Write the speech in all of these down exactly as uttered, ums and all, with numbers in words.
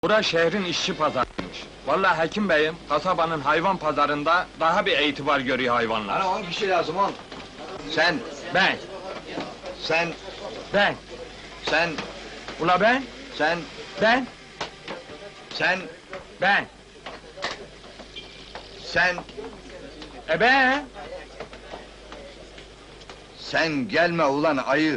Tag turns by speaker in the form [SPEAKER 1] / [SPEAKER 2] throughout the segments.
[SPEAKER 1] Bura şehrin işçi pazarıymış. Vallahi hekim beyim, kasabanın hayvan pazarında daha bir itibar görüyor hayvanlar.
[SPEAKER 2] Bana on kişi lazım on. Sen,
[SPEAKER 1] Ben,
[SPEAKER 2] sen,
[SPEAKER 1] ben,
[SPEAKER 2] sen,
[SPEAKER 1] ula ben,
[SPEAKER 2] sen,
[SPEAKER 1] ben,
[SPEAKER 2] sen,
[SPEAKER 1] ben,
[SPEAKER 2] sen,
[SPEAKER 1] e ben.
[SPEAKER 2] sen gelme ulan ayı!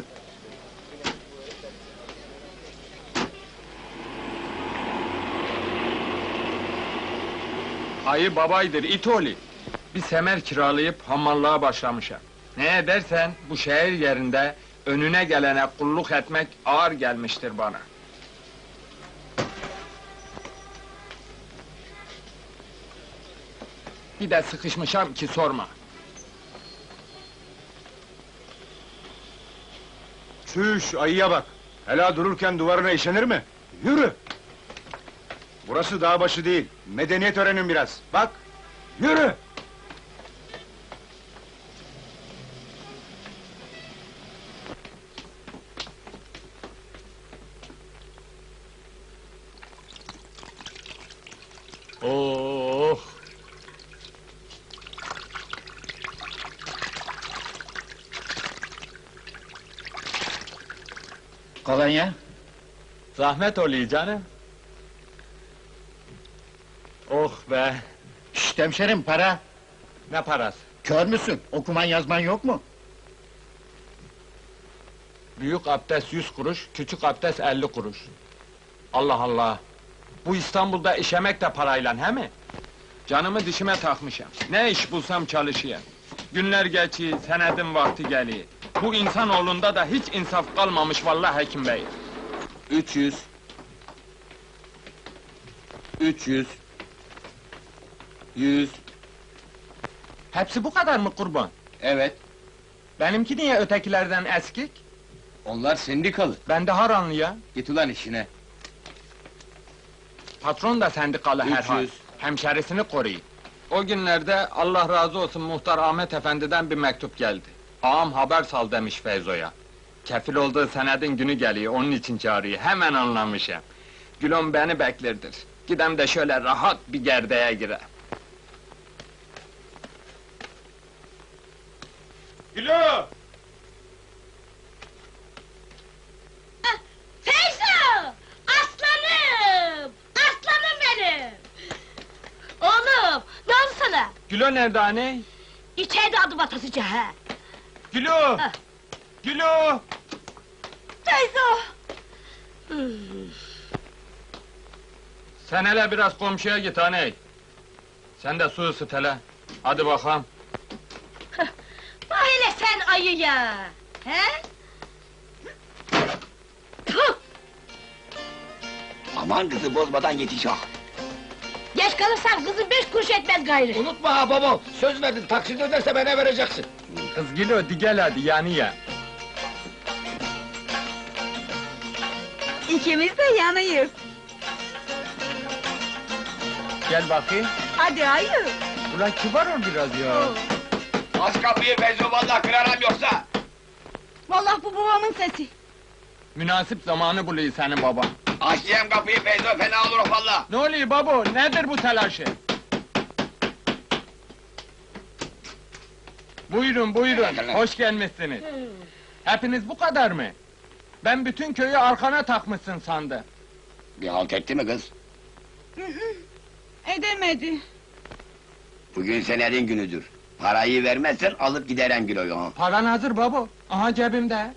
[SPEAKER 1] Ayı babaydır, it oğlu. Bir semer kiralayıp hamallığa başlamışım. Ne edersen bu şehir yerinde önüne gelene kulluk etmek ağır gelmiştir bana. Bir de sıkışmışam ki sorma.
[SPEAKER 3] Çüş, ayıya bak! Hela dururken duvarına işenir mi? Yürü! Burası dağ başı değil, medeniyet öğrenin biraz, bak! Yürü!
[SPEAKER 1] Oh!
[SPEAKER 4] Kolonya?
[SPEAKER 1] Zahmet oluyor canım. Oh be!
[SPEAKER 4] Şşt hemşerim, para!
[SPEAKER 1] Ne parası?
[SPEAKER 4] Kör müsün? Okuman yazman yok mu?
[SPEAKER 1] Büyük abdest yüz kuruş, küçük abdest elli kuruş. Allah Allah! Bu İstanbul'da işemek de parayla, he mi? Canımı dişime takmışım. Ne iş bulsam çalışayım. Günler geçiyor, senedim vakti geliyor. Bu insanoğlunda da hiç insaf kalmamış vallahi hekim bey.
[SPEAKER 2] Üç yüz. Üç yüz. Yüz.
[SPEAKER 1] Hepsi bu kadar mı kurban?
[SPEAKER 2] Evet,
[SPEAKER 1] Benimki niye ötekilerden eskik?
[SPEAKER 2] onlar sendikalı.
[SPEAKER 1] Ben de haranlı ya.
[SPEAKER 2] Git ulan işine.
[SPEAKER 1] Patron da sendikalı
[SPEAKER 2] Üç
[SPEAKER 1] herhal.
[SPEAKER 2] yüz.
[SPEAKER 1] Hemşerisini koruyor. O günlerde Allah razı olsun muhtar Ahmet Efendi'den bir mektup geldi. Ağam haber sal demiş Feyzo'ya. Kefil olduğu senedin günü geliyor, onun için çağırıyor. Hemen anlamışım. Gülüm beni beklerdir. Gidem de şöyle rahat bir gerdeğe gire.
[SPEAKER 3] Gülü!
[SPEAKER 5] Feyzo! Aslanım! Aslanım benim! Oğlum, ne oldu sana?
[SPEAKER 1] Gülo nerede anne?
[SPEAKER 5] İçeride adım atasıca ha!
[SPEAKER 1] Gülo! Gülo!
[SPEAKER 5] Feyzo!
[SPEAKER 1] Sen hele biraz komşuya git anne. Sen de su ısıt hele. Hadi bakalım.
[SPEAKER 5] Bak hele sen ayıya! He? Tüh!
[SPEAKER 6] Aman kızı bozmadan yetiş ha!
[SPEAKER 5] Geç kalırsan kızın beş kuruş etmez gayrı!
[SPEAKER 6] Unutma ha babam, söz verdin, taksit öderse bana vereceksin!
[SPEAKER 1] Kız Gülo, di gel hadi yani ya.
[SPEAKER 7] İkimiz de yanıyız.
[SPEAKER 1] Gel bakayım.
[SPEAKER 7] Hadi hayır.
[SPEAKER 1] Ulan kibar ol biraz ya.
[SPEAKER 6] Aç kapıyı Feyzo, vallahi kırarım yoksa!
[SPEAKER 7] Vallahi bu babamın sesi.
[SPEAKER 1] Münasip zamanı buluyor senin baban.
[SPEAKER 6] Aç diyem kapıyı Feyzo, fena olur valla!
[SPEAKER 1] Ne oluyor babo, nedir bu telaşı? Buyurun, buyurun,
[SPEAKER 6] Evet,
[SPEAKER 1] hoş gelmişsiniz. Hepiniz bu kadar mı? Ben bütün köyü arkana takmışsın sandım.
[SPEAKER 6] Bir halt etti mi kız?
[SPEAKER 7] Edemedi.
[SPEAKER 6] Bugün senedin günüdür. Parayı vermezsen alıp giderim kiloyu ha!
[SPEAKER 1] Paran hazır babo, aha cebimde.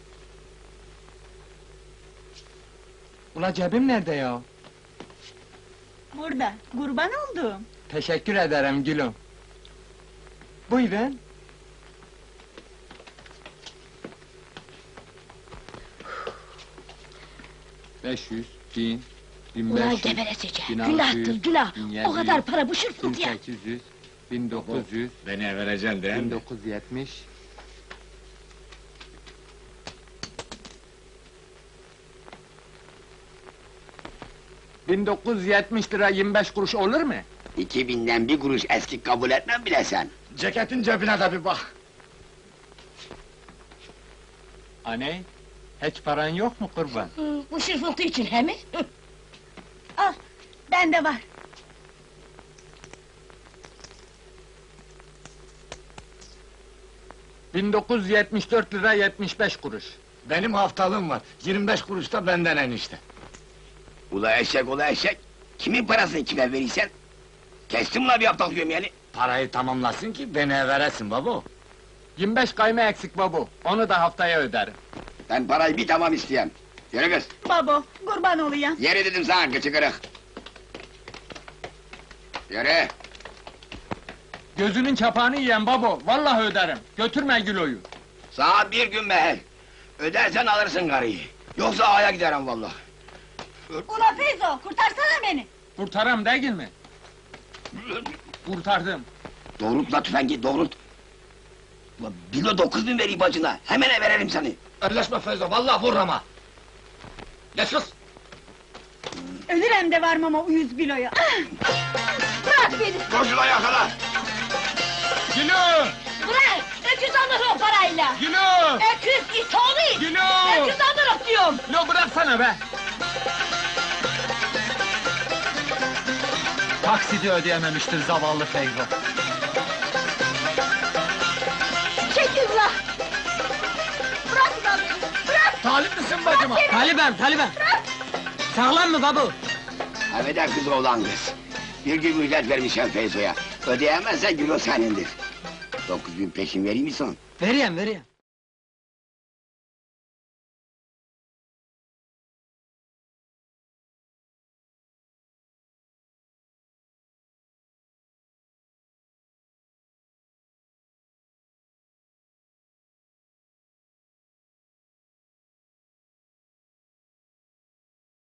[SPEAKER 1] Ula cebim nerede ya?
[SPEAKER 7] Burada, kurban oldum.
[SPEAKER 1] Teşekkür ederim gülüm. Buyurun. Beş yüz, bin, bin beş
[SPEAKER 5] Ulan
[SPEAKER 1] yüz,
[SPEAKER 5] geberesice!
[SPEAKER 1] bin altı
[SPEAKER 5] Günahtır,
[SPEAKER 1] yüz,
[SPEAKER 5] günah!
[SPEAKER 1] bin
[SPEAKER 5] O
[SPEAKER 1] yedi
[SPEAKER 5] kadar
[SPEAKER 1] yüz,
[SPEAKER 5] para bu
[SPEAKER 1] bin
[SPEAKER 5] şırfıntı ya!
[SPEAKER 1] sekiz yüz, bin dokuz yüz,
[SPEAKER 3] Beni vereceksin değil
[SPEAKER 1] bin dokuz yüz yetmiş, bin dokuz yüz yetmiş lira yirmi beş kuruş olur mu?
[SPEAKER 6] İki binden bir kuruş eski kabul etmem bile sen!
[SPEAKER 4] Ceketin cebine de bir bak!
[SPEAKER 1] Aney, hiç paran yok mu kurban?
[SPEAKER 5] Hı, bu şırfıntı için he mi? Hı. Al,
[SPEAKER 7] bende var.
[SPEAKER 1] bin dokuz yüz yetmiş dört lira yetmiş beş kuruş.
[SPEAKER 4] Benim haftalığım var. yirmi beş kuruş da benden enişte.
[SPEAKER 6] Ula eşek, ula eşek! Kimin parasını kime verirsen? Kestim la bir haftalık yemeğini.
[SPEAKER 4] Parayı tamamlasın ki beni veresin baba.
[SPEAKER 1] yirmi beş kayma eksik babu. Onu da haftaya öderim.
[SPEAKER 6] Ben parayı bir tamam isteyem. Yürü kız,
[SPEAKER 7] Babo, kurban olayım.
[SPEAKER 6] yere dedim sana kıçı kırık. Yürü!
[SPEAKER 1] Gözünün çapağını yiyen babo. Vallahi öderim. Götürme Gülo'yu.
[SPEAKER 6] Sana bir gün mehel. Ödersen alırsın karıyı. Yoksa aya giderim vallahi.
[SPEAKER 7] Ula Feyzo, kurtarsana beni.
[SPEAKER 1] Kurtaram değil mi? Kurtardım.
[SPEAKER 6] Doğrult la tüfengi, doğrult! Ulan bilo dokuz bin vereyim bacına, hemen verelim seni!
[SPEAKER 4] Elleşme Feyzo, vallahi vur ama. Geç kız.
[SPEAKER 7] Ölürem de varmam o yüz biloya.
[SPEAKER 5] Bırak beni!
[SPEAKER 6] Koşula yakala!
[SPEAKER 1] Gülo!
[SPEAKER 5] Bırak! Öküz alır o parayla!
[SPEAKER 1] Gülo!
[SPEAKER 5] Öküz it oğlu!
[SPEAKER 1] Gülo!
[SPEAKER 5] Öküz alır diyorum!
[SPEAKER 1] Gülo bıraksana be! Taksidi ödeyememiştir zavallı Feyzo.
[SPEAKER 5] Çekil la! Bırak lan beni! Bırak!
[SPEAKER 1] Talip misin bacıma?
[SPEAKER 5] Bırak beni!
[SPEAKER 1] Talibem, talibem! Sağlam mı babu?
[SPEAKER 6] Affeder kız oğlan kız. Bir gün müjdet vermişim Feyzo'ya. Ödeyemezsen gülo senindir. Dokuz bin peşin vereyim mi son?
[SPEAKER 1] Vereyim, vereyim.